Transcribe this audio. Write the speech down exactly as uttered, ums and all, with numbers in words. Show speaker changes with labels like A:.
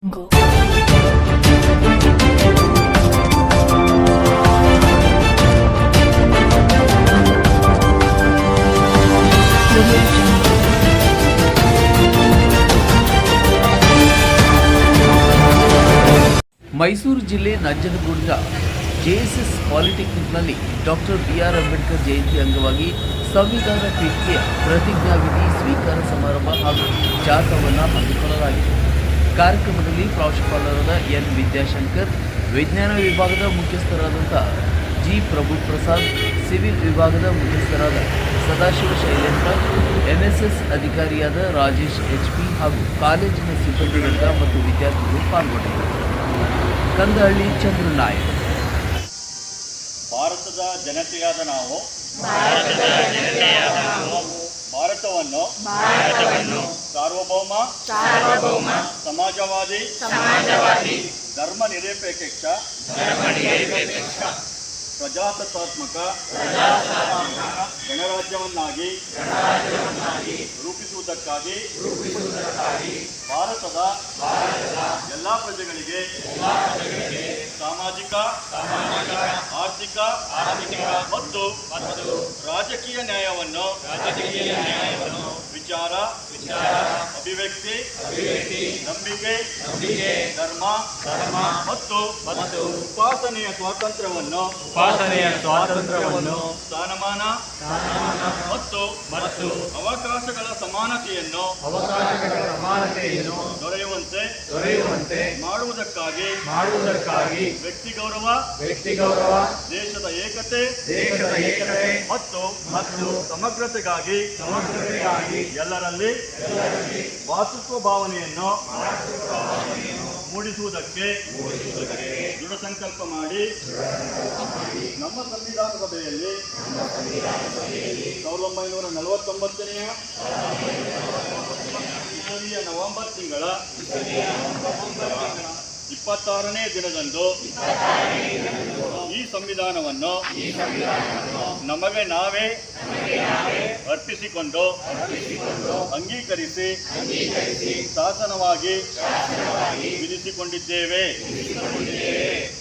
A: Go.
B: Mysuru ಜಿಲ್ಲೆ ನಂಜನಗೂಡಿನ JSS ಪಾಲಿಟೆಕ್ನಿಕ್ನಲ್ಲಿ doctor B R Ambedkar Jayanti ಅಂಗವಾಗಿ ಸಂವಿಧಾನ ಪೀಠಿಕೆಯ ಪ್ರತಿಜ್ಞಾವಿಧಿ ಸ್ವೀಕಾರ ಸಮಾರಂಭ ಹಾಗೂ ಜಾಥಾವನ್ನು ಹಮ್ಮಿಕೊಳ್ಳಲಾಗಿದೆ. ಕಾರ್ಯಕ್ರಮದಲ್ಲಿ ಪ್ರಾಂಶುಪಾಲರಾದ ಎನ್ ವಿದ್ಯಾಶಂಕರ್, ವಿಜ್ಞಾನ ವಿಭಾಗದ ಮುಖ್ಯಸ್ಥರಾದಂಥ ಜಿ ಪ್ರಭು ಪ್ರಸಾದ್, ಸಿವಿಲ್ ವಿಭಾಗದ ಮುಖ್ಯಸ್ಥರಾದ ಸದಾಶಿವ ಶೈಲೇಂದ್ರ, ಎನ್ಎಸ್ಎಸ್ ಅಧಿಕಾರಿಯಾದ ರಾಜೇಶ್ ಎಚ್ ಪಿ ಹಾಗೂ ಕಾಲೇಜಿನ ಸಿಬ್ಬಂದಿವರ್ಗ ಮತ್ತು ವಿದ್ಯಾರ್ಥಿಗಳು ಪಾಲ್ಗೊಂಡಿದ್ದರು. ಕಂದಹಳ್ಳಿ ಚಂದ್ರನಾಯಕ್.
C: ಭಾರತದ ಜನತೆಯಾದ ನಾವು ಭಾರತವನ್ನು ಸಾರ್ವಭೌಮ ಸಮಾಜವಾದಿ ಧರ್ಮ ನಿರಪೇಕ್ಷ ಪ್ರಜಾಸತ್ತಾತ್ಮಕ ಗಣರಾಜ್ಯವನ್ನಾಗಿ ರೂಪಿಸುವುದಕ್ಕಾಗಿ ಭಾರತದ ಎಲ್ಲ ಪ್ರಜೆಗಳಿಗೆ ಸಾಮಾಜಿಕ ಆರ್ಥಿಕ ಮತ್ತು ರಾಜಕೀಯ ನ್ಯಾಯವನ್ನು ವಿಚಾರ ಅಭಿವ್ಯಕ್ತಿ ನಂಬಿಕೆ ಧರ್ಮ ಮತ್ತು ಉಪಾಸನೆಯ ಸ್ವಾತಂತ್ರ್ಯವನ್ನು
D: ಉಪಾಸನೆಯ ಸ್ವಾತಂತ್ರ್ಯವನ್ನು
C: ಸ್ಥಾನಮಾನ ಮತ್ತು ಮತ್ತು ಅವಕಾಶಗಳ ಸಮಾನತೆಯನ್ನು
D: ಅವಕಾಶಗಳ ಸಮಾನತೆಯನ್ನು
C: ದೊರೆಯುವಂತೆ
D: ದೊರೆಯುವಂತೆ
C: ಮಾಡುವುದಕ್ಕಾಗಿ
D: ಮಾಡುವುದಕ್ಕಾಗಿ
C: ವ್ಯಕ್ತಿ ಗೌರವ
D: ವ್ಯಕ್ತಿ ಗೌರವ
C: ದೇಶದ ಏಕತೆ
D: ದೇಶದ ಏಕತೆ
C: ಮತ್ತು
D: ಮತ್ತು
C: ಸಮಗ್ರತೆಗಾಗಿ
D: ಸಮಗ್ರತೆಗಾಗಿ
C: ಎಲ್ಲರಲ್ಲಿ ಭಾತೃತ್ವ ಭಾವನೆಯನ್ನು ಮೂಡಿಸುವುದಕ್ಕೆ ದೃಢ ಸಂಕಲ್ಪ ಮಾಡಿ ನಮ್ಮ ಸಂವಿಧಾನ ಸಭೆಯಲ್ಲಿ ಸಾವಿರದ ಒಂಬೈನೂರ ನಲವತ್ತೊಂಬತ್ತನೆಯ ಇಸವಿಯ ನವೆಂಬರ್ ತಿಂಗಳ ಇಪ್ಪತ್ತಾರನೇ ದಿನದಂದು ಈ ಸಂವಿಧಾನವನ್ನು ನಮಗೆ ನಾವೇ ಅರ್ಪಿಸಿಕೊಂಡು ಅಂಗೀಕರಿಸಿ ಶಾಸನವಾಗಿ ವಿಧಿಸಿಕೊಂಡಿದ್ದೇವೆ.